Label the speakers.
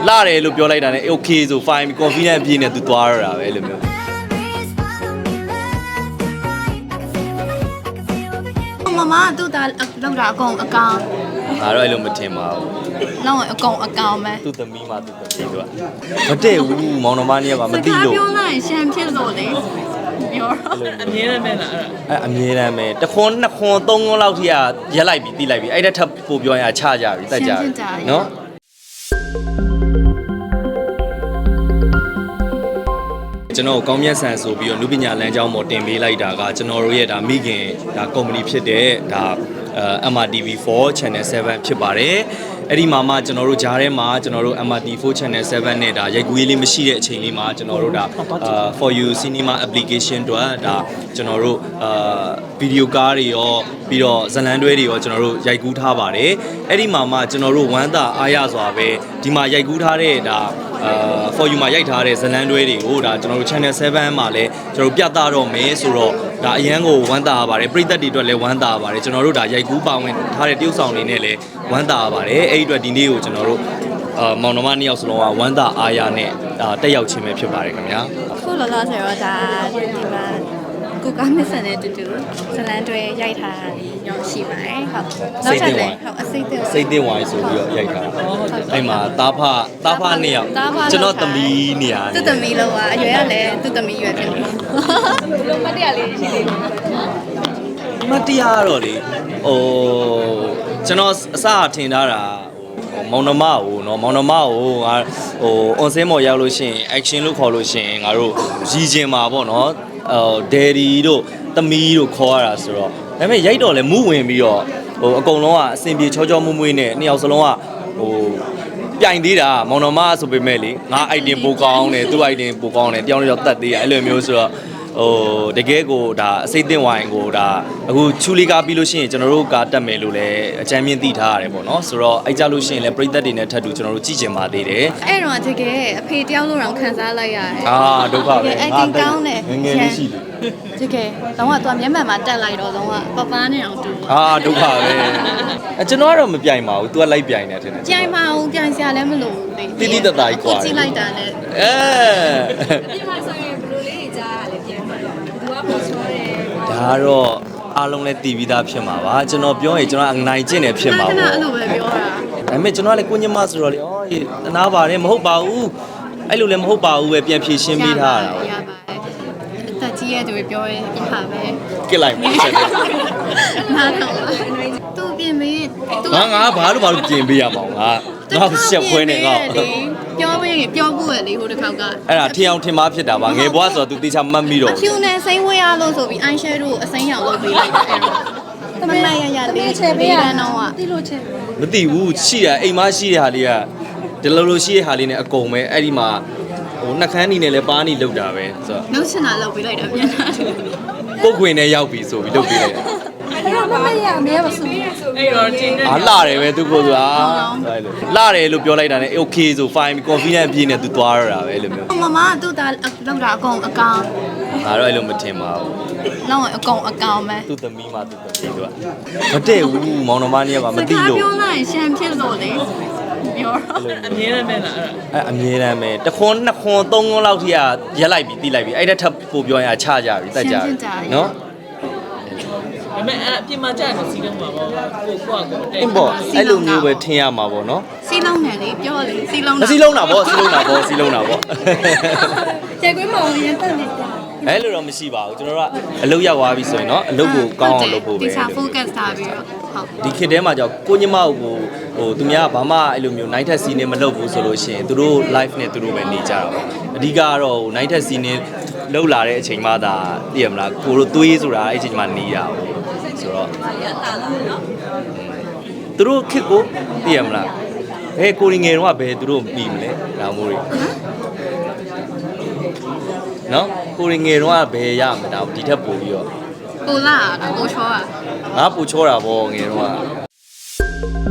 Speaker 1: လာတယ်လို့ပြောလိုက်တာနဲ့ okay ဆို fine confident အပြည့်နဲ့ तू သွားရတာပဲအဲ့လိုမျိုး
Speaker 2: မမတူတာလောက်တာအကုန်အကောင်
Speaker 1: ငါတော့အဲ့လိုမထင်ပါဘူး
Speaker 2: လောက်အကုန်အကောင်ပဲ
Speaker 1: သူ့သမီးမှသူ့သမီးတို့ကမတည့်ဘူးမောင်နှမကြီးကမသိလို့
Speaker 2: ပြောလိုက်ရှမ်းဖြစ်လို့လေပြော
Speaker 3: အမြဲတမ်းပဲလား
Speaker 1: အဲ့အမြဲတမ်းပဲတစ်ခွန်းနှစ်ခွန်းသုံးခွန်းလောက်ထိကရက်လိုက်ပြီးတီးလိုက်ပြီးအဲ့ဒါထပ်ပို့ပြောရင်ချကြပြီတက်ကြပြီနော်ကျွန်တော်ကောင်းမြတ်ဆန်ဆိုပြီးတော့လူပညာလမ်းကြောင်းပေါ်တင်ပေးလိုက်တာကကျွန်တော်တို့ရဲ့ဒါမိခင်ဒါကုမ္ပဏီဖြစ်တဲ့ဒါ MRTV4 Channel 7ဖြစ်ပါတယ်အဲ့ဒီမှာမှကျွန်တော်တို့ဂျားထဲမှာကျွန်တော်တို့ MRTV4 Channel 7နဲ့ဒါရိုက်ကူးရေးလေးမရှိတဲ့အချိန်လေးမှာကျွန်တော်တို့ဒါ For You Cinema Application တို့ဒါကျွန်တော်တို့ဗီဒီယိုကားတွေရောပြီးတော့ဇာတ်လမ်းတွဲတွေရောကျွန်တော်တို့ရိုက်ကူးထားပါတယ်အဲ့ဒီမှာမှကျွန်တော်တို့ဝမ်းသာအားရစွာပဲဒီမှာရိုက်ကူးထားတဲ့ဒါFor You မှာရိုက်ထားတဲ့ဇလန်တွဲတွေကိုဒါကျွန်တော်တို့ Channel 7မှာလည်းကျွန်တော်ပြသတော့မယ်ဆိုတော့ဒါအရန်ကိုဝမ်းသာရပါတယ်ပရိသတ်တွေအတွက်လည်းဝမ်းသာရပါတယ်ကျွန်တော်တို့ဒါရိုက်ကူးပါဝင်ထားတဲ့တရုပ်ဆောင်တွေနဲ့လည်းဝမ်းသာရပါတယ်အဲ့ဒီအတွက်ဒီနေ့ကိုကျွန်တော်တို့မောင်နှမ2ယောက်စလုံးကဝမ်းသာအားရနဲ့ဒါတက်ရောက်ခြင်းပဲဖြစ်ပါတယ်ခင်ဗျာ
Speaker 2: ခုလောလောဆယ်တော့ဒါဒီမှာကိုကမစ်ဆန်နဲ့တူတူဇလန်တွဲရိုက်ထားရောရှိပါတယ်ဟုတ်နောက်ထပ်လည်းဟုတ်အစိတ်
Speaker 1: သိဝိုင်းဆိုပြီးတော့ရိုက်ထားအဲ့မှာတာဖ2ယောက်ကျွန်တော်သမီးနေရာ
Speaker 2: သူ့သမီးလောကအရွယ်ကလည်းသူ့သမီးရွယ်ဖြစ်နေလုံးမတရားလေးရှိနေ
Speaker 1: မတရားတော့လေဟိုကျွန်တော်အစထင်ထားတာမောင်နှမကိုเนาะမောင်နှမကိုငါဟို on scene ပေါ်ရောက်လို့ရှိရင် action လို့ခေါ်လို့ရှိရင်ငါတို့ရည်ကျင်မှာပေါ့เนาะဒယ်ဒီတို့သမီးတို့ခေါ်ရတာဆိုတော့ဒါပေမဲ့ရိုက်တော့လဲမူးဝင်ပြီးတော့ဟိုအကုန်လုံးကအစင်ပြေချောချောမွေ့မွေ့နဲ့နှစ်ယောက်စလုံးကဟိုပြိုင်သေးတာမောင်နှမဆိုပေမဲ့လေငါ item ပိုကောင်းတယ်သူ့ item ပိုကောင်းတယ်တယောက်တစ်ယောက်တတ်သေးတယ်အဲ့လိုမျိုးဆိုတော့ဟိုတကယ်ကိုဒါအစိတ်တင်ဝိုင်းကိုဒါအခုချူလီကားပြီးလို့ရှိရင်ကျွန်တော်တို့ကတက်မယ်လို့လည်းအကြမ်းမြင့်သိထားရတယ်ပေါ့နော်ဆိုတော့အဲ့ကြလို့ရှိရင်လည်းပရိသတ်တွေနဲ့ထပ်တူကျွန်တော်တို့ကြည့်ကျင်ပါသေးတယ်
Speaker 2: အဲ့တော့တကယ်အဖေတယောက်လို့တော့ခံစားလိုက်ရတယ်
Speaker 1: ဒုက္ခပဲ
Speaker 2: အဲ့တင်ကောင်းတယ်
Speaker 1: ငယ်လေးရှိတယ်
Speaker 2: တကယ်တော့ကသူကမျက်မှန်မှာတက်လိုက်တော့တော့ကပပားနဲ့အောင်တူ
Speaker 1: ဒုက္ခပဲကျွန်တော်ကတော့မပြိုင်ပါဘူး तू ကလိုက်ပြိုင်တယ်ထင်တယ်
Speaker 2: ပြိုင်ပါဦးပြိုင်စရာလည်းမလိုဘူး
Speaker 1: တိတိတတ်တာကြီးกว่า
Speaker 2: ကြည့်လိုက်တာနဲ့
Speaker 3: ဒီမှာဆိုရင်ဘယ်လိုလေးကြားရလဲပြန်ပါတော့သူကပေါ်ဆိုတယ်
Speaker 1: ဒါတော့အားလုံးလည်းတည်ပြီးသားဖြစ်မှာပါကျွန်တော်ပြောရင်ကျွန်တော်အနိုင်ကျင့်တယ်ဖြစ်မှာ
Speaker 2: ပေါ့အဲ့လိုပဲပြောတာ
Speaker 1: ဒါပေမဲ့ကျွန်တော်ကလည်းကိုညမဆိုတော့လေတနာပါတယ်မဟုတ်ပါဘူးအဲ့လိုလည်းမဟုတ်ပါဘူးပဲပြန်ဖြေရှင်းပေးထားတာ
Speaker 2: ရပါတယ်တက်ကြီးရဲ့သူပြောရင်ပြပါပဲ
Speaker 1: ကစ်လိုက်ပါဆက်တယ်
Speaker 2: နားတော့သူပြင်မေး
Speaker 1: ငါဘာလို့ပြင်ပေးရမှာငါရှက်ခွဲနေငါ
Speaker 2: ပြောဖို့ရလေဟိုတစ်ခေါက်က
Speaker 1: အဲ့ဒါထင်အောင်ထင်မှားဖြစ်တာပါငယ်ဘွားဆိုတော့ तू တေချာမှတ်မိတော့
Speaker 2: ဖြူနဲ့စိမ့်ဝေးရလို့ဆိုပြီး eye shadow အစိမ်းရောင်လုပ်ပေးလိုက်တယ်အဲ့တော့သမီးရလေးချဲပေးရတော့တိလို့ချဲ
Speaker 1: မသိဘူးရှိတာအိမ်မရှိတဲ့ဟာလေးကဒီလိုရှိတဲ့ဟာလေးနဲ့အကုန်ပဲအဲ့ဒီမှာဟိုနှက်ခမ်းနေနဲ့လဲပါးနေလောက်တာပဲဆိုတော့
Speaker 2: နှုတ်ချင်တာလောက်ပေးလိုက်တာပြန်လာ
Speaker 1: ပုတ်ခွင်နဲ့ရောက်ပြီဆိုပြီးလုပ်ပေးလိုက်
Speaker 2: အဲ့တော့မရအမဲမဆူ
Speaker 3: အဲ့တော့တင်းနေ
Speaker 1: လာတယ်ပဲသူကိုဆိုတာလာတယ်လို့ပြောလိုက်တာနဲ့ okay ဆို fine confident အပြည့်နဲ့ तू သွားရတာပဲအဲ့လိုမျိုး
Speaker 2: မမတူတာလောက်တာအကုန်အကောင်
Speaker 1: ငါတော့အဲ့လိုမထင်ပါဘူး
Speaker 2: လောက်အကုန်အကောင်ပဲ
Speaker 1: သူ့သမီးမှသူ့သမီးတို့ကမတည့်ဘူးမောင်နှမကြီးကမသိလို့
Speaker 2: ပြောလိုက်ရှမ်းဖြစ်လို့လေပြော
Speaker 3: အမြဲတမ်းပဲလား
Speaker 1: အဲ့အမြဲတမ်းပဲတစ်ခွန်းနှစ်ခွန်းသုံးခွန်းလောက်ထိကရက်လိုက်ပြီးတီးလိုက်ပြီးအဲ့ဒါထပ်ပို့ပြောရင်ချကြပြီတက်ကြပြီနော်
Speaker 3: ဒါပေမဲ့အပြင်မှာကြာနေစီးလုံးမှာပေါ့ကို
Speaker 1: အဲ့ပေါ့အဲ့လိုမျိုးပဲထင်ရမှာပေါ့နော်
Speaker 2: စီးလုံးတယ်လေပြောလေစီးလုံး
Speaker 1: တာစီးလုံးတာပေါ့
Speaker 2: ကျဲကွေးမောင်ရင်တက်နေတယ်
Speaker 1: အဲ့လိုတော့မရှိပါဘူးကျွန်တော်တို့ကအလုပ်ရောက်သွားပြီဆိုရင်เนาะအလုပ်ကိုကောင်းအောင်လုပ်ဖို့ပဲ
Speaker 2: ဒီစာ focus ထားပြီးတော့
Speaker 1: ဟုတ်ဒီခေတ်ထဲမှာကြောင့်ကိုညမကိုဟိုသူများကဘာမှအဲ့လိုမျိုး night test scene မလုပ်ဘူးဆိုလို့ရှိရင်သူတို့ live နဲ့သူတို့ပဲနေကြတာပေါ့အဓိကကတော့ night test scene လောက်လာတဲ့အချိန်မှသာသိရမလားကိုတို့သွေးဆိုတာအဲ့အချိန်မှနေရအောင်ဆိုတော့သူတို့ခစ်ကိုသိရမလားဘယ်ကိုရီငယ်တော့ဘယ်သူတို့ပြီးမလဲဒါမို့တွေနော်ကိုရီငယ်တော့ဘယ်ရမလဲဒါဒီထက်ပိုပြီးတော့
Speaker 2: ပိုလာတာပိုချောတာ
Speaker 1: ငါပိုချောတာဗောငယ်တော့